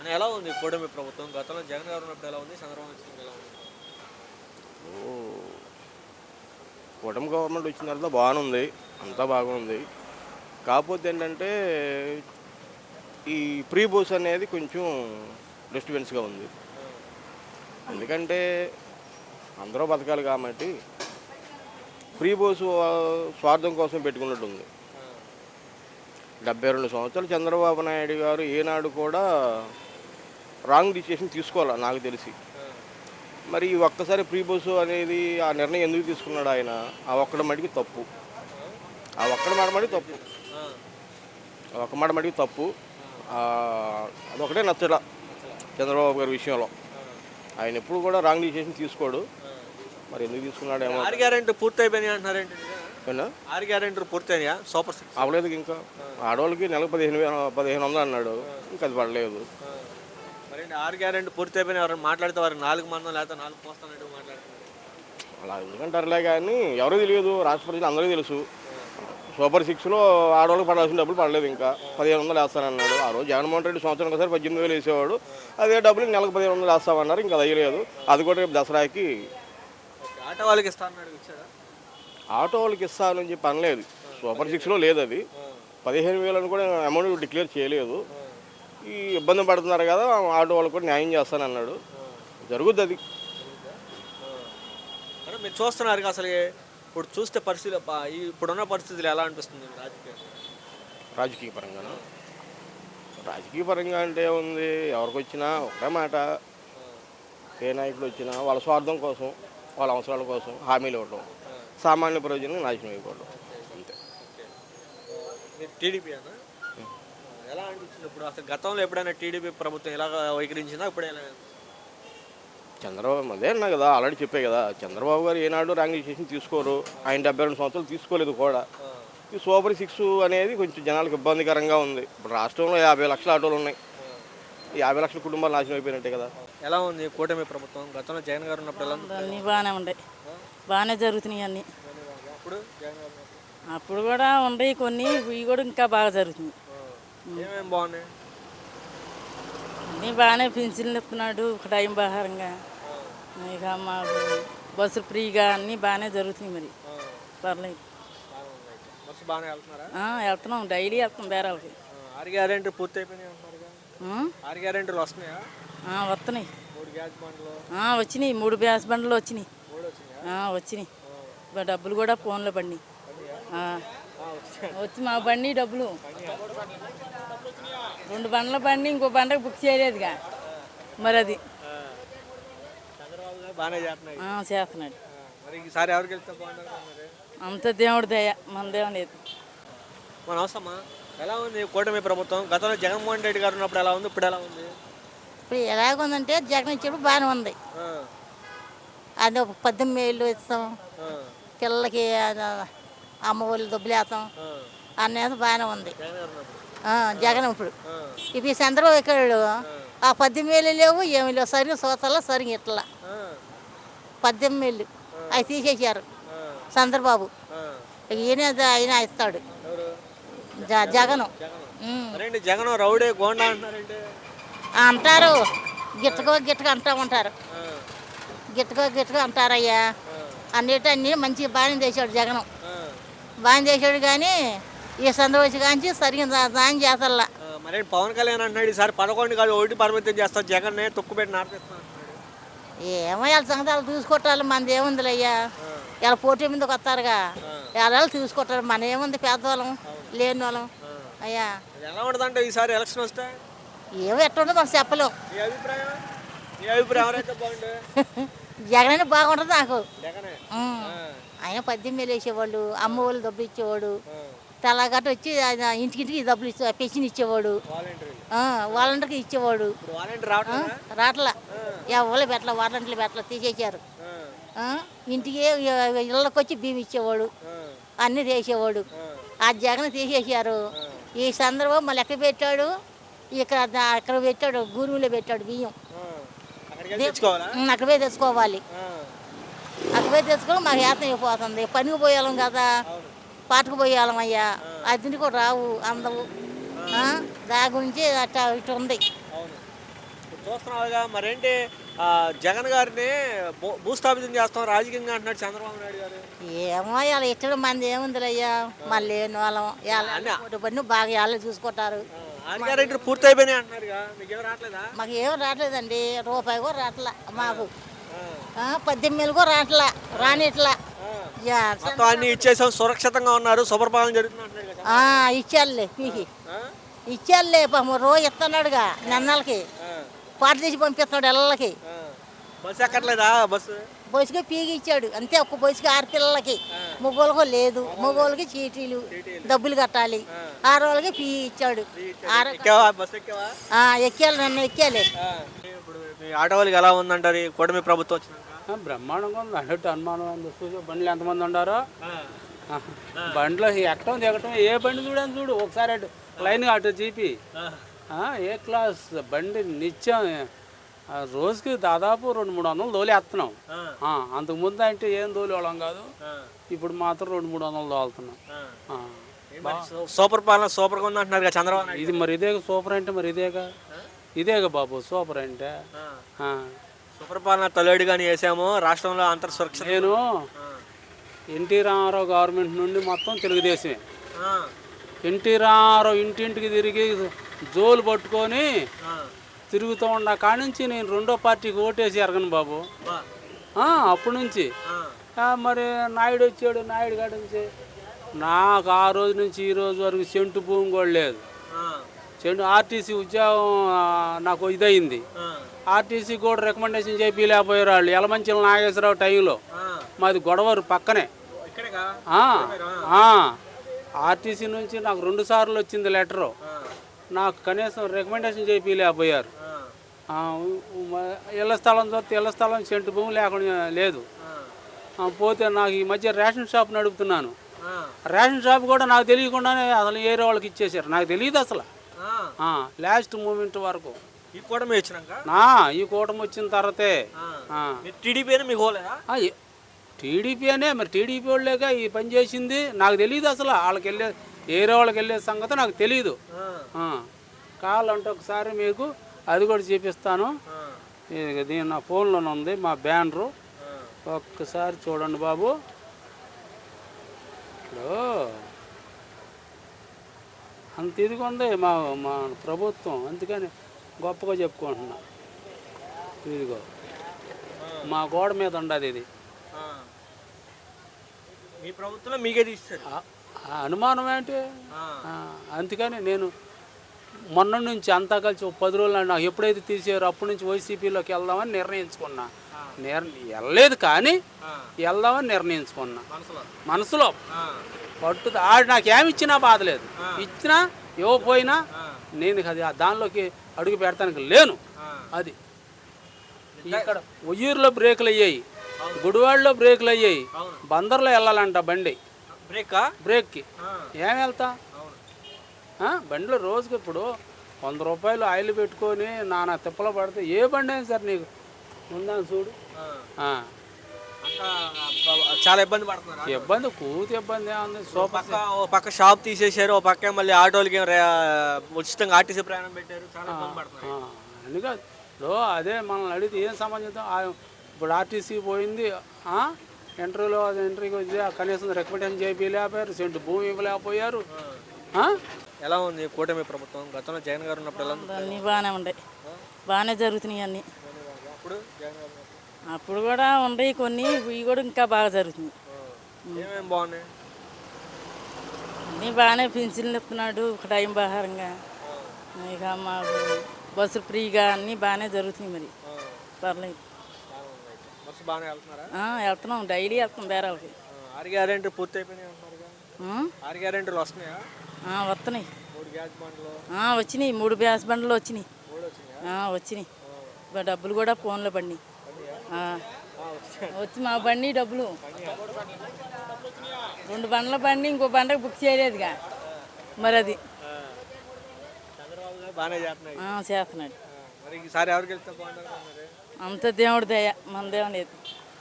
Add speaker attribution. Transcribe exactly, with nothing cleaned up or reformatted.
Speaker 1: ఎలా ఉంది కూటమి ప్రభుత్వం? గతంలో జగన్ గారు ఉన్నప్పుడు ఎలా ఉంది? చంద్రబాబు వచ్చినప్పుడు ఎలా ఉంది?
Speaker 2: ఓహ్! కూటమి గవర్నమెంట్ వచ్చిన తర్వాత బాగానే ఉంది. అంతా బాగుంది. కాకపోతే ఏంటంటే, ఈ ప్రీ బోస్ అనేది కొంచెం డిస్టర్బెన్స్‌గా ఉంది. ఎందుకంటే, అందరూ బతకాలి కాబట్టి, ప్రీ బోస్ స్వార్థం కోసం పెట్టుకున్నట్టుంది. డెబ్బై రెండు సంవత్సరాలు చంద్రబాబు నాయుడు గారు ఏనాడు కూడా రాంగ్ డిసిషన్ తీసుకోవాలి నాకు తెలిసి. మరి ఈ ఒక్కసారి ప్రీ బోస్ అనేది ఆ నిర్ణయం ఎందుకు తీసుకున్నాడు ఆయన? ఆ ఒక్కడ మటుకి తప్పు. ఆ ఒక్కడ మాట మటుకు తప్పు. ఆ ఒక్క మాట మటుకు తప్పు. అదొకటే నచ్చల చంద్రబాబు గారి విషయంలో. ఆయన ఎప్పుడు కూడా రాంగ్ డిసిషన్ తీసుకోడు. మరి ఎందుకు తీసుకున్నాడేమో.
Speaker 1: ఆరు గ్యారెంటీ పూర్తి అయిపోయినాయి అంటున్నారేంటి?
Speaker 2: ఏనా
Speaker 1: ఆరు గ్యారెంటీలు పూర్తయినాయా? సూపర్ సిక్స్
Speaker 2: అవ్వలేదు ఇంకా. ఆడవాళ్ళకి నెలకు పదిహేను వేల పదిహేను వందలు అన్నాడు. ఇంకా అది పడలేదు.
Speaker 1: మరి ఆరు గ్యారెంటీ పూర్తి అయిపోయినా ఎవరైనా మాట్లాడితే వారు నాలుగు మందం లేకపోతే నాలుగు పోస్తానంటూ మాట్లాడుతున్నారు.
Speaker 2: అలా ఎందుకంటారులే కానీ ఎవరో తెలియదు. రాష్ట్ర ప్రజలు అందరికీ తెలుసు. సూపర్ సిక్స్లో ఆడవాళ్ళకి పడాల్సిన డబ్బులు పడలేదు. ఇంకా పదిహేను వందలు వేస్తానన్నాడు. ఆ రోజు జగన్మోహన్ రెడ్డి సంవత్సరం ఒకసారి పద్దెనిమిది వేలు వేసేవాడు. అదే డబ్బులు నెలకు పదిహేను వందలు వేస్తామన్నారు. ఇంకా అది అయ్యలేదు. అది కూడా రేపు దసరాకి
Speaker 1: ఆటో వాళ్ళకి ఇస్తానన్నాడు. ఇచ్చారా?
Speaker 2: ఆటో వాళ్ళకి ఇస్తానని చెప్పి అనలేదు. సూపర్ సిక్స్లో లేదు అది. పదిహేను వేలని కూడా అమౌంట్ డిక్లేర్ చేయలేదు. ఈ ఇబ్బంది పడుతున్నారు కదా, ఆటో వాళ్ళకి కూడా న్యాయం చేస్తానన్నాడు. జరుగుద్ది అది.
Speaker 1: అంటే మీరు చూస్తున్నారు అసలు ఇప్పుడు చూస్తే పరిస్థితులు ఇప్పుడున్న పరిస్థితులు ఎలా అనిపిస్తుంది రాజకీయ
Speaker 2: రాజకీయ పరంగా రాజకీయ పరంగా అంటే ఉంది. ఎవరికి వచ్చినా ఒకటే మాట, ఏ నాయకుడు వచ్చినా వాళ్ళ స్వార్థం కోసం, వాళ్ళ అవసరాల కోసం హామీలు ఇవ్వడం, సామాన్య ప్రయోజనం నాశనం అయిపోవడం అంతే.
Speaker 1: టీడీపీ అన్న ఎలా అనిపించింది ఇప్పుడు? అసలు గతంలో ఎప్పుడైనా టీడీపీ ప్రభుత్వం ఎలా వైఖరించిందా? ఇప్పుడు ఎలా?
Speaker 2: చంద్రబాబు అదే అన్నా కదా, ఆల్రెడీ చెప్పే కదా, చంద్రబాబు గారు ఏనాడు రాంగ్ డిసిషన్ తీసుకోరు. ఆయన డెబ్బై రెండు సంవత్సరాలు తీసుకోలేదు కూడా. ఈ సూపర్ సిక్స్ అనేది కొంచెం జనాలకు ఇబ్బందికరంగా ఉంది. ఇప్పుడు రాష్ట్రంలో యాభై లక్షల ఆటోలు ఉన్నాయి. ఈ యాభై లక్షల కుటుంబాలు నాశనం అయిపోయినట్టే కదా.
Speaker 1: ఎలా ఉంది కూటమి ప్రభుత్వం? గతంలో జగన్ గారు ఉన్నప్పుడు ఎలా ఉంది?
Speaker 3: అన్నీ బాగానే ఉన్నాయి. బాగానే జరుగుతున్నాయి అన్నీ.
Speaker 1: అప్పుడు జగన్ గారు
Speaker 3: అప్పుడు కూడా ఉన్నాయి కొన్ని, ఇవి కూడా ఇంకా బాగా జరుగుతుంది.
Speaker 1: ఏమేమి బాగున్నాయి?
Speaker 3: అన్నీ బాగానే పెన్షన్లు ఇస్తున్నాడు టైం బహారంగా. ఇక మాకు బస్సు ఫ్రీగా అన్నీ బాగానే జరుగుతున్నాయి. మరి పర్లేదు,
Speaker 1: బస్సు బాగానే వెళ్తున్నారా?
Speaker 3: వెళ్తున్నాం, డైలీ వెళ్తాం బేరాలకి.
Speaker 1: ఆరు గ్యారెంటీ పూర్తి అయిపోయినాయి అంటున్నారు. ఆరు గ్యారెంటీలు వస్తున్నాయా?
Speaker 3: వస్తున్నాయి.
Speaker 1: మూడు గ్యాస్ బండ్లు
Speaker 3: వచ్చినాయి. మూడు గ్యాస్ బండ్లు వచ్చినాయి.
Speaker 1: మూడు వచ్చినాయా?
Speaker 3: వచ్చినాయి. డబ్బులు కూడా ఫోన్లో పడినాయి. వచ్చి మా బండి డబ్బులు రెండు బండ్ల బండి ఇంకో బండకు బుక్ చేయలేదుగా. మరి అది
Speaker 1: బాగానే చేస్తున్నాయి.
Speaker 3: చేస్తున్నాడు.
Speaker 1: మరి ఈసారి ఎవరికి వెళ్తే బాగుంటుంది?
Speaker 3: అంత దేవుడి దయ, మనదేం లేదు.
Speaker 1: మన అవసరమా? ఎలా ఉంది కూటమి ప్రభుత్వం? గతంలో జగన్మోహన్ రెడ్డి గారు ఉన్నప్పుడు ఎలా ఉంది? ఇప్పుడు ఎలా ఉంది?
Speaker 4: ఇప్పుడు ఎలాగుందంటే జగన్ ఇచ్చేప్పుడు బాగానే ఉంది. అది ఒక పద్దెనిమిది వేలు ఇస్తాం, పిల్లలకి అమ్మ వాళ్ళు డబ్బులు వేస్తాం అనేది బాగానే ఉంది జగన్. ఇప్పుడు ఇప్పుడు చంద్రబాబు ఎక్కడాడు, ఆ పద్దెనిమిది వేలు లేవు, ఏమి లేవు. సరిగ్గా సోతల్లో సరిగ్గా ఇట్లా పద్దెనిమిది వేలు అవి తీసేసారు చంద్రబాబు. ఈయన ఆయన ఇస్తాడు జగన్.
Speaker 1: జగన్ రౌడీ గోండా అంటారంటే
Speaker 4: అంటారు, గిట్టకో గిట్టక అంటూ ఉంటారు. గిట్టకో గిట్టకో అంటారయ్యా. అన్నిటి అన్నీ మంచిగా బాగానే చేశాడు జగన్, బాగానే చేశాడు. కానీ ఈ సందర్భం కానీ సరిగ్గా దాని చేతల్లా.
Speaker 1: మరి పవన్ కళ్యాణ్ అంటున్నాడు ఈసారి పదకొండు కాదు ఒకటి పరిమితం చేస్తారు, జగన్ తొక్కుపెట్టి నాటిస్తాను.
Speaker 4: ఏమో వాళ్ళ సంగతాలు చూసుకుంటారు, మనది ఏముందిలే అయ్యా. ఇలా పోటీ మీదకి వస్తారుగా, ఎలా చూసుకుంటారు. మన ఏముంది, పేదవాళ్ళం లేని వాళ్ళం అయ్యా.
Speaker 1: ఎలా ఉంటుందంటే ఈసారి ఎలక్షన్ వస్తే
Speaker 4: ఏమో ఎట్టుండో మనం చెప్పలేం.
Speaker 1: మీ అభిప్రాయం? మీ అభిప్రాయం ఎవరైతే బాగుంటుంది?
Speaker 4: జగన్ బాగుంటుంది నాకు. ఆయన పద్దెనిమిది వేలు వేసేవాళ్ళు, అమ్మ వాళ్ళు డబ్బులు ఇచ్చేవాడు, తెల్లగట్ట వచ్చి ఇంటికింటికి డబ్బులు ఇచ్చే పెన్షన్ ఇచ్చేవాడు, వాలంటీర్కి ఇచ్చేవాడు. రాట్లా ఎవరు పెట్టలే, వాలంటీర్లు పెట్టలే, తీసేసారు. ఇంటికి ఇళ్ళకి వచ్చి బియ్యం ఇచ్చేవాడు, అన్నీ తీసేవాడు. ఆ జగన్ తీసేసారు. ఈ సందర్భం మళ్ళీ ఎక్కడ పెట్టాడు, ఇక్కడ అక్కడ పెట్టాడు, గూరులో పెట్టాడు బియ్యం. అక్కడ పోయి తెచ్చుకోవాలి. అక్కడ పోయి తెచ్చుకోవడం మాకు ఏతం అయిపోతుంది. పనికి పోయాలం కదా, పాటకు పోయాలం అయ్యా. అది కూడా రావు, అందవు. దాని గురించి అట్లా ఇటు ఉంది.
Speaker 1: చూస్తున్నావుగా మరేంటి ఆ, జగన్ గారిని భూ- భూస్థాపితం చేస్తాం రాజకీయంగా అంటున్నాడు చంద్రబాబు నాయుడు గారు.
Speaker 4: ఏమో ఇలా ఇచ్చడం మంది ఏముందిలయ్యా మళ్ళీ లేని వాళ్ళం ఇలా పన్ను బాగా వాళ్ళు చూసుకుంటారు.
Speaker 1: ఆరు గ్యారెంటీలు పూర్తి అయిపోయినాయి అంటున్నారుగా, మీకు ఏం రావట్లేదా?
Speaker 4: మాకు ఏం రావట్లేదండి, రూపాయి కూడా రావట్లా మాకు.
Speaker 1: ఆ,
Speaker 4: ఆ, పద్దెనిమిది వేలు కూడా రావట్లా, రానిట్లా.
Speaker 1: ఆ.
Speaker 4: యా,
Speaker 1: మొత్తం అన్ని ఇచ్చేసాం, సురక్షితంగా ఉన్నారు, శుభ్రపాలన జరుగుతుంది అంటున్నాడు కదా.
Speaker 4: ఆ, ఇచ్చారులే మీకు
Speaker 1: ఆ?
Speaker 4: ఇచ్చారులే పాపం రోజు ఇస్తున్నాడుగా నెన్నలకి
Speaker 1: ఆ,
Speaker 4: పాట తీసి పంపిస్తున్నాడు ఎల్లకి.
Speaker 1: ఆ. Bus ఎక్కట్లేదా bus?
Speaker 4: బొసుకి పీగి ఇచ్చాడు అంతే, ఒక్క బొసుకి ఆరు పిల్లలకి. మగోళ్ళకు లేదు, మగోళ్ళకి చీటీలు డబ్బులు కట్టాలి. ఆడవాళ్ళకి పీ ఇచ్చాడు. ఆరు
Speaker 1: ఎక్కావా బస్సు ఎక్కావా?
Speaker 4: ఆ, ఎక్కాలి నన్ను ఎక్కాలి.
Speaker 1: ఆ. ఇప్పుడు మీ ఆటో వాళ్ళకి ఎలా ఉందంటారు ఈ కూటమి ప్రభుత్వం వచ్చినాక?
Speaker 5: ఆ, బ్రహ్మాండంగా ఉంది. అన్నట్టు అనుమానం ఉంది. చూసి బండ్లు ఎంతమంది ఉండారో
Speaker 1: ఆ,
Speaker 5: ఆ, బండ్లో ఎక్కడం దిగటం ఏ బండి చూడని చూడు ఒకసారి అటు లైన్గా అటు జీపి
Speaker 1: ఆ,
Speaker 5: ఆ, ఏ క్లాస్ బండి నిత్యం ఆ, రోజుకి దాదాపు రెండు మూడు వందలు తోలేస్తున్నాం.
Speaker 1: ఆ,
Speaker 5: ఆ, అంతకు ముందు అంటే ఏం తోలేవాళ్ళం కాదు,
Speaker 1: ఆ,
Speaker 5: ఇప్పుడు మాత్రం రెండు మూడు వందలు తోలుతున్నాం.
Speaker 1: ఆ.
Speaker 5: ఆ,
Speaker 1: ఏ మరి సూ- సూపర్ పాలన సూపర్గా ఉంది అంటున్నారు కదా చంద్రబాబు నాయుడు.
Speaker 5: ఇది మరి ఇదేగా సూపర్ అంటే మరి ఇదేగా ఇదేగా బాబు సూపర్ అంటే.
Speaker 1: ఆ.
Speaker 5: ఆ,
Speaker 1: సూపర్ పాలన తొలేడు కానీ వేసాము రాష్ట్రంలో అంతర్ సురక్షిత.
Speaker 5: నేను
Speaker 1: ఆ,
Speaker 5: ఎన్టీ రామారావు గవర్నమెంట్ నుండి మొత్తం తెలుగుదేశమే.
Speaker 1: ఆ,
Speaker 5: ఎన్టీ రామారావు ఇంటింటికి తిరిగి జోలు పట్టుకొని
Speaker 1: ఆ.
Speaker 5: తిరుగుతూ ఉన్న కాడి నుంచి నేను రెండో పార్టీకి ఓటేసి ఎరగను బాబు.
Speaker 1: బా.
Speaker 5: ఆ, అప్పటి నుంచి
Speaker 1: ఆ,
Speaker 5: ఆ, మరి నాయుడు వచ్చాడు, నాయుడు కాడి నుంచి నాకు ఆ రోజు నుంచి ఈ రోజు వరకు సెంటు భూమి కూడా లేదు.
Speaker 1: ఆ,
Speaker 5: చెండు ఆర్టీసీ ఉద్యోగం ఆ, నాకు ఇదయింది.
Speaker 1: ఆ,
Speaker 5: ఆర్టీసీ కూడా రికమెండేషన్ చేపిలేకపోయారు వాళ్ళు. యలమంచిల నాగేశ్వరరావు టైంలో
Speaker 1: ఆ.
Speaker 5: మాది గొడవరు పక్కనే.
Speaker 1: ఇక్కడేగా?
Speaker 5: ఆ, ఆ, ఆర్టీసీ నుంచి నాకు రెండు సార్లు వచ్చింది లెటరు.
Speaker 1: ఆ,
Speaker 5: నాకు కనీసం రికమెండేషన్ చేపిలేకపోయారు.
Speaker 1: ఆ,
Speaker 5: ఆ, మ- ఇళ్ల స్థలం చూస్తే ఇళ్ల స్థలం సెంటు భూమి లేకుండా లేదు.
Speaker 1: ఆ,
Speaker 5: ఆ, పోతే నాకు ఈ మధ్య రేషన్ షాప్ నడుపుతున్నాను.
Speaker 1: ఆ,
Speaker 5: రేషన్ షాప్ కూడా నాకు తెలియకుండానే అసలు ఏరే వాళ్ళకి ఇచ్చేసారు. నాకు తెలియదు అసలు.
Speaker 1: ఆ.
Speaker 5: ఆ, లాస్ట్ మూమెంట్ వరకు
Speaker 1: ఈ కూటమి వచ్చినాక
Speaker 5: నా ఈ కూటమి వచ్చిన తర్వాతే ఆ.
Speaker 1: మీరు టీడీపీ అని మీకు హోలేదా?
Speaker 5: ఆ, ఏ- టీడీపీ అనే మరి టీడీపీ వాళ్ళేక ఈ పని చేసింది. నాకు తెలియదు అసలు. వాళ్ళకి వెళ్ళే ఏరే వాళ్ళకి వెళ్ళే సంగతి నాకు తెలియదు.
Speaker 1: ఆ,
Speaker 5: కావాలంటే ఒకసారి మీకు అది కూడా చూపిస్తాను.
Speaker 1: ఆ,
Speaker 5: ఇది దీని నా ఫోన్లోనే ఉంది మా బ్యానరు.
Speaker 1: ఆ.
Speaker 5: ఒక్కసారి చూడండి బాబు. ఇప్పుడు అంత ఇదిగా ఉంది మా మా ప్రభుత్వం, అందుకని గొప్పగా చెప్పుకుంటున్నా. ఇదిగో మా గోడ మీద ఉండదు ఇది.
Speaker 1: ఆ. మీ ప్రభుత్వంలో మీకే తీస్తారు.
Speaker 5: ఆ- ఆ అనుమానం ఏంటి?
Speaker 1: ఆ,
Speaker 5: ఆ, అందుకని నేను మొన్న నుంచి అంతా కలిసి ఒక పది రోజులు నాకు ఎప్పుడైతే తీసారో అప్పటి నుంచి వైసీపీలోకి వెళ్దామని నిర్ణయించుకున్నా. నిర్ వెళ్ళలేదు కానీ
Speaker 1: ఆ.
Speaker 5: వెళ్దామని నిర్ణయించుకున్నా
Speaker 1: మనసులో.
Speaker 5: మనసులో.
Speaker 1: ఆ,
Speaker 5: పట్టు ఆడు నాకు ఏమి ఇచ్చినా బాధలేదు,
Speaker 1: ఆ.
Speaker 5: ఇచ్చినా ఇవ్వకపోయినా
Speaker 1: ఆ,
Speaker 5: నేను అది ఆ దానిలోకి అడుగు పెడతానికి లేను.
Speaker 1: ఆ.
Speaker 5: అది ఇక్కడ ఉయ్యూరులో బ్రేకులు అయ్యాయి, గుడివాడలో బ్రేకులు అయ్యాయి,
Speaker 1: అవును.
Speaker 5: బందర్లో వెళ్ళాలంట బండి
Speaker 1: బ్రేకా?
Speaker 5: బ్రేక్కి.
Speaker 1: ఆ,
Speaker 5: ఏం వెళ్తా
Speaker 1: అవును.
Speaker 5: ఆ, బండిలో రోజుకి ఇప్పుడు వంద రూపాయలు ఆయిల్ పెట్టుకొని నానా తిప్పలు పడితే ఏ బండి అయినా సరే నీకు ఉందని చూడు.
Speaker 1: ఆ.
Speaker 5: ఆ,
Speaker 1: అంతా బ- చాలా ఇబ్బంది పడుతున్నారు.
Speaker 5: ఇబ్బంది కూతి ఇబ్బంది ఏముంది.
Speaker 1: ఓ
Speaker 5: సూపర్
Speaker 1: పక్క ఓ పక్క షాప్ తీసేశారు, ఓ పక్క మళ్ళీ ఆటోలకి రే- ఉచితంగా ఆర్టీసీ ప్రయాణం పెట్టారు, చాలా ఇబ్బంది పడుతున్నారు.
Speaker 5: అందుకే ఇప్పుడు అదే మనల్ని అడిగితే ఏం సంబంధితం. ఆ, ఇప్పుడు ఆర్టీసీ పోయింది, ఆ, ఇంటర్వ్యూలో అది ఇంటర్వ్యూకి వచ్చి ఆ కనీసం రికమెండేషన్ చేయించలేకపోయారు, సెంటు భూమి ఇవ్వలేకపోయారు. ఆ?
Speaker 1: ఎలా ఉంది కూటమి ప్రభుత్వం? గతంలో జగన్ గారు ఉన్నప్పుడు ఎలా ఉంది?
Speaker 3: అన్నీ బాగానే ఉన్నాయి, బాగానే జరుగుతున్నాయి అన్నీ.
Speaker 1: అప్పుడు జగన్ గారు ఉన్నప్పుడు
Speaker 3: అప్పుడు కూడా ఉన్నాయి కొన్ని, ఇవి కూడా ఇంకా బాగా జరుగుతున్నాయి.
Speaker 1: ఏమేమి బాగున్నాయి?
Speaker 3: అన్నీ బాగానే పెన్షన్లు ఇస్తున్నాడు ఒక టైం ప్రకారంగా. ఇక మాకు బస్సు ఫ్రీగా అన్నీ బాగానే జరుగుతున్నాయి మరి, పర్లేదు.
Speaker 1: బస్సు బాగానే వెళ్తున్నారా?
Speaker 3: ఆ, వెళ్తున్నాం, డైలీ వెళ్తాం బేరాలకి.
Speaker 1: ఆరు గ్యారెంటీ పూర్తి అయిపోయినాయి అంటున్నారుగా.
Speaker 3: ఆ?
Speaker 1: ఆరు గ్యారెంటీలు వస్తున్నాయా?
Speaker 3: ఆ, వస్తున్నాయి.
Speaker 1: మూడు గ్యాస్ బండ్లు
Speaker 3: ఆ, వచ్చినాయి, మూడు బ్యాస్ బండ్లు వచ్చినాయి.
Speaker 1: మూడు వచ్చినాయా?
Speaker 3: ఆ, వచ్చినాయి. ఇక డబ్బులు కూడా ఫోన్లో పడినాయి. ఆ,
Speaker 1: ఆ, వచ్చాయి.
Speaker 3: వచ్చి మా బండి డబ్బులు రెండు బండ్ల బండి ఇంకో బండకు బుక్ చేయలేదుగా మరి అది.
Speaker 1: ఆ. చంద్రబాబు గారు బాగానే చేస్తున్నాయి.
Speaker 3: ఆ, చేస్తున్నాడు.
Speaker 1: ఆ, మరి ఈసారి ఎవరికి వెళ్తే బాగుంటుంది మరి?
Speaker 3: అంత దేవుడి దయ, మనదేం లేదు.